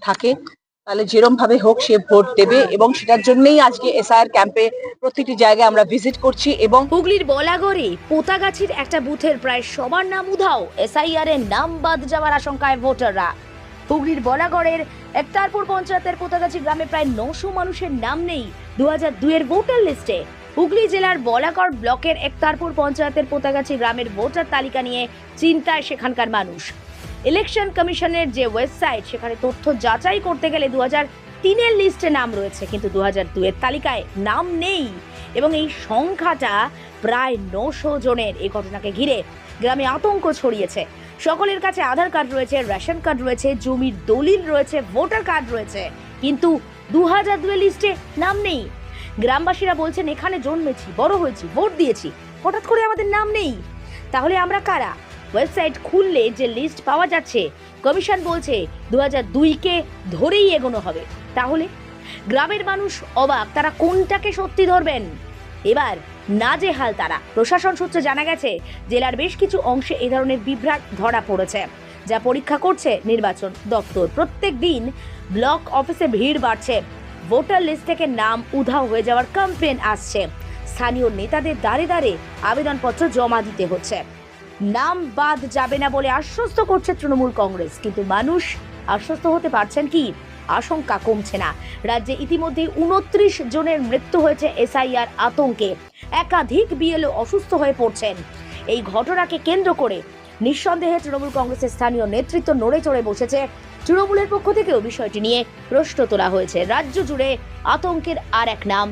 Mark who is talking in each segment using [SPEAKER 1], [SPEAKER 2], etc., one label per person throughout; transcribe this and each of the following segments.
[SPEAKER 1] থাকে তাহলে যেরম ভাবে হোক সে ভোট দেবে এবং সেটার জন্যই আজকে এসআইআর ক্যাম্পে প্রতিটি জায়গায় আমরা ভিজিট করছি। এবং
[SPEAKER 2] হুগলির বলাগড়ে পোতাগাছির একটা বুথের প্রায় সবার নাম উধাও। এসআইআর এর নাম বাদ যাওয়ার আশঙ্কায় ভোটাররা। হুগলির বলাগড়ের একতারপুর পঞ্চায়েতের পোতাগাছি গ্রামে প্রায় 900 মানুষের নাম নেই 2002 এর ভোটার লিস্টে। হুগলি জেলার বলাগড় ব্লকের একতারপুর পঞ্চায়েতের পোতাগাছি গ্রামের ভোটার তালিকা নিয়ে চিন্তায় সেখানকার মানুষ। ইলেকশন কমিশনের যে ওয়েবসাইট সেখানে তথ্য যাচাই করতে গেলে 2003 এর লিস্টে নাম রয়েছে, কিন্তু 2002 এর তালিকায় নাম নেই এবং এই সংখ্যাটা প্রায় 900 জনের। এই ঘটনাকে ঘিরে গ্রামে আতঙ্ক ছড়িয়েছে। সকলের কাছে আধার কার্ড রয়েছে, রেশন কার্ড রয়েছে, জমির দলিল রয়েছে, ভোটার কার্ড রয়েছে, কিন্তু 2002 লিস্টে নাম নেই। গ্রামবাসীরা বলছেন এখানে জন্মেছি, বড় হয়েছি, ভোট দিয়েছি, হঠাৎ করে আমাদের নাম নেই। তাহলে আমরা কারা? ওয়েবসাইট খুললে যে লিস্ট পাওয়া যাচ্ছে, কমিশন বলছে 2002কে ধরেই এগোনো হবে। তাহলে গ্রামের মানুষ অবাক, তারা কোনটাকে সত্যি ধরবেন? এবার নাজেহাল তারা। প্রশাসন সূত্রে জানা গেছে জেলার বেশ কিছু অংশে এ ধরনের বিভ্রাট ধরা পড়েছে, যা পরীক্ষা করছে নির্বাচন দপ্তর। প্রত্যেক দিন ব্লক অফিসে ভিড় বাড়ছে, ভোটার লিস্ট থেকে নাম উধাও হয়ে যাওয়ার কমপ্লেন আসছে। স্থানীয় নেতাদের দাঁড়ে দাঁড়ে আবেদনপত্র জমা দিতে হচ্ছে। নাম বাদ যাবে না বলে আশ্বস্ত করছে তৃণমূল কংগ্রেস, কিন্তু মানুষ আশ্বস্ত হতে পারছেন কি? আশঙ্কা কমছে না। রাজ্যে ইতিমধ্যে 29 জনের মৃত্যু হয়েছে এসআইআর আতঙ্কে। একাধিক বিএলও অসুস্থ হয়ে পড়ছেন। এই ঘটনাকে কেন্দ্র করে নিঃসন্দেহে তৃণমূল কংগ্রেসের স্থানীয় নেতৃত্ব নড়ে চড়ে বসেছে। তৃণমূলের পক্ষ থেকেও বিষয়টি নিয়ে প্রশ্ন তোলা হয়েছে। রাজ্য জুড়ে আতঙ্কের আর এক নাম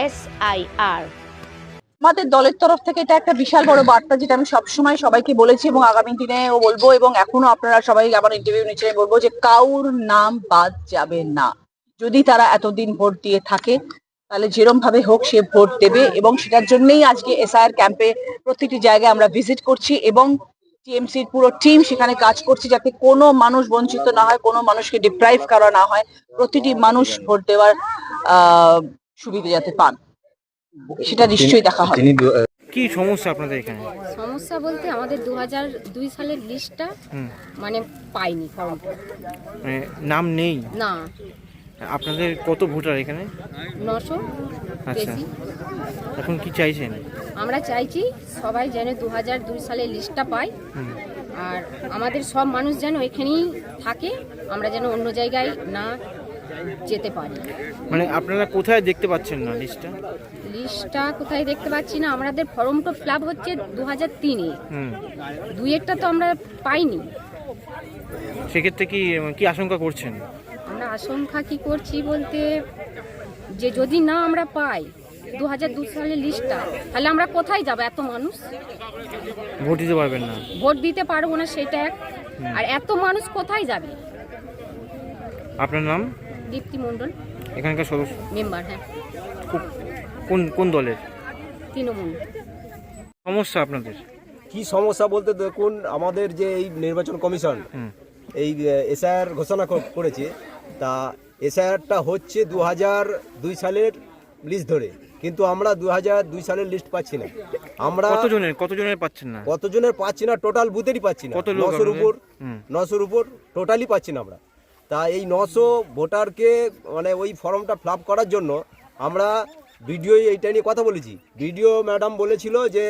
[SPEAKER 2] এসআইআর।
[SPEAKER 1] আমাদের দলের তরফ থেকে এটা একটা বিশাল বড় বার্তা, যেটা আমি সবসময় সবাইকে বলেছি এবং আগামী দিনেও বলবো, এবং এখনো আপনারা সবাই আমার ইন্টারভিউ নিচ্ছেন, বলবো যে কাউর নাম বাদ যাবে না। যদি তারা এতদিন ভোট দিয়ে থাকে তাহলে যেরম ভাবে হোক সে ভোট দেবে এবং সেটার জন্যই আজকে এসআইআর ক্যাম্পে প্রতিটি জায়গায় আমরা ভিজিট করছি এবং টিএমসির পুরো টিম সেখানে কাজ করছে যাতে কোনো মানুষ বঞ্চিত না হয়, কোনো মানুষকে ডিপ্রাইভ করা না হয়, প্রতিটি মানুষ ভোট দেওয়ার সুবিধা যাতে পান, সেটা নিশ্চয়ই দেখা হবে।
[SPEAKER 3] কি সমস্যা আপনাদের এখানে?
[SPEAKER 4] সমস্যা বলতে আমাদের 2002 সালের লিস্টটা মানে পাইনি, ফর্মটা
[SPEAKER 3] মানে নাম নেই
[SPEAKER 4] না।
[SPEAKER 3] আপনাদের কত ভোটার এখানে?
[SPEAKER 4] 900
[SPEAKER 3] আচ্ছা,
[SPEAKER 4] বেশি।
[SPEAKER 3] এখন কি চাইছেন?
[SPEAKER 4] আমরা চাইছি সবাই যেন 2002 সালের লিস্টটা পাই, আর আমাদের সব মানুষ যেন এখানেই থাকে, আমরা যেন অন্য জায়গায় না যেতে পারি।
[SPEAKER 3] মানে আপনারা কোথায় দেখতে পাচ্ছেন না লিস্টটা?
[SPEAKER 4] লিস্টটা কোথায় দেখতে পাচ্ছি না, আমাদের ফর্মটা ফিল আপ হচ্ছে 2003-এ, 2-এরটা তো আমরা পাইনি।
[SPEAKER 3] সেক্ষেত্রে কি আশঙ্কা করছেন?
[SPEAKER 4] আমরা আশঙ্কা কি করছি বলতে, যে যদি না আমরা পাই 2002 সালের লিস্টটা, তাহলে আমরা কোথায় যাব? এত মানুষ
[SPEAKER 3] ভোট দিতে পারবেন না,
[SPEAKER 4] ভোট দিতে পারবো না, সেটা এক। আর এত মানুষ কোথায় যাবে?
[SPEAKER 3] আপনার নাম?
[SPEAKER 4] দীপ্তি মণ্ডল,
[SPEAKER 3] এখানকার সদস্য,
[SPEAKER 4] মেম্বার। হ্যাঁ,
[SPEAKER 3] কোন দলের?
[SPEAKER 4] তৃণমূল।
[SPEAKER 3] সমস্যা আপনাদের
[SPEAKER 5] কি সমস্যা বলতে, দেখুন আমাদের যে এই নির্বাচন কমিশন এই এসআইআর ঘোষণা করেছে, তা এসআইআরটা হচ্ছে 2002 সালের লিস্ট ধরে, কিন্তু আমরা 2002 সালের লিস্ট পাচ্ছি না। আমরা
[SPEAKER 3] কতজনের পাচ্ছেন না?
[SPEAKER 5] কতজনের পাচ্ছি না, টোটাল বুথেরই পাচ্ছি না। 900-র উপর টোটালি পাচ্ছি না আমরা। তা এই 900 ভোটারকে মানে ওই ফর্মটা ফিল আপ করার জন্য আমরা ভিডিও এইটা নিয়ে কথা বলেছি। ভিডিও ম্যাডাম বলেছিল যে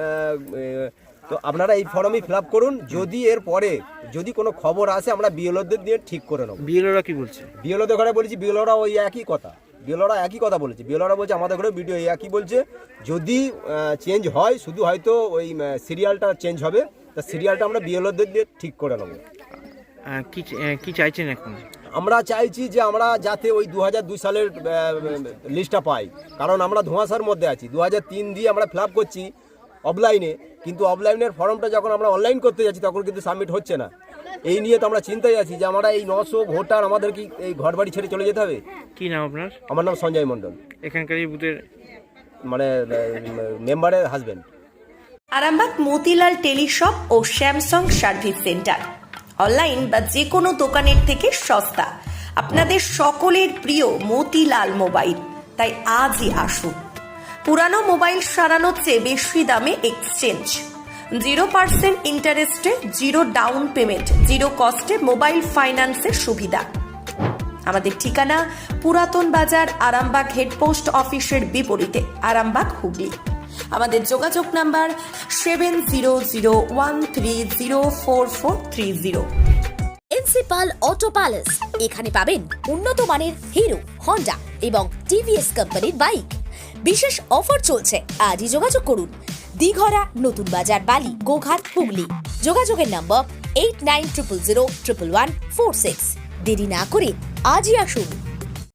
[SPEAKER 5] তো আপনারা এই ফর্মই ফিল আপ করুন, যদি এর পরে যদি কোনো খবর আসে আমরা বিএলওদের দিয়ে ঠিক করে নেব।
[SPEAKER 3] বিএলওরা কি বলছে?
[SPEAKER 5] বিএলওদের ঘরে বলেছি, বিএলওরা ওই একই কথা, বলেছে। বিএলওরা বলছে আমাদের ঘরে ভিডিও একই বলছে, যদি চেঞ্জ হয় শুধু হয়তো ওই সিরিয়ালটা চেঞ্জ হবে, তা সিরিয়ালটা আমরা বিএলওদের দিয়ে ঠিক করে নেব।
[SPEAKER 3] কি চাইছেন এখন?
[SPEAKER 5] আমরা চাইছি যে আমরা যাতে ওই 2002 সালের লিস্টটা পাই, কারণ আমরা ধোঁয়াশার মধ্যে আছি। 2003 দিয়ে আমরা ফিল আপ করছি অফলাইনে, কিন্তু অফলাইনের ফর্মটা যখন আমরা অনলাইন করতে যাচ্ছি তখন কিন্তু সাবমিট হচ্ছে না। এই নিয়ে তো আমরা চিন্তায় আছি যে আমরা এই 900 ভোটার আমাদের কি এই ঘর বাড়ি ছেড়ে চলে যেতে হবে?
[SPEAKER 3] কি নাম আপনার?
[SPEAKER 5] আমার নাম সঞ্জয় মণ্ডল,
[SPEAKER 3] এখানকার এই বুথের
[SPEAKER 5] মানে মেম্বারের হাজবেন্ড।
[SPEAKER 6] আরামবাগ মতিলাল টেলিশপ ও স্যামসাং সার্ভিস সেন্টার, অনলাইন বা যে কোনো দোকানের থেকে সস্তা। আপনাদের সকলের প্রিয় মতিলাল মোবাইল, তাই আজই আসুন। পুরানো মোবাইল সারানোর চেয়ে বেশি দামে এক্সচেঞ্জ, 0% ইন্টারেস্টে, 0 ডাউন পেমেন্ট, 0 কস্টে মোবাইল ফাইন্যান্সের সুবিধা। আমাদের ঠিকানা পুরাতন বাজার, আরামবাগ হেডপোস্ট অফিসের বিপরীতে, আরামবাগ, হুগলি। আমাদের যোগাযোগ নাম্বার 7001304430।
[SPEAKER 2] প্রিন্সিপাল অটো প্যালেস, এখানে পাবেন উন্নত মানের হিরো, হন্ডা এবং টিভিএস কোম্পানির বাইক। বিশেষ অফার চলছে, আজই যোগাযোগ করুন। দিঘরা, নতুন বাজার, বালি, গোঘাট, হুগলি। যোগাযোগের নম্বর 8900011146। দেরি না করে আজই আসুন।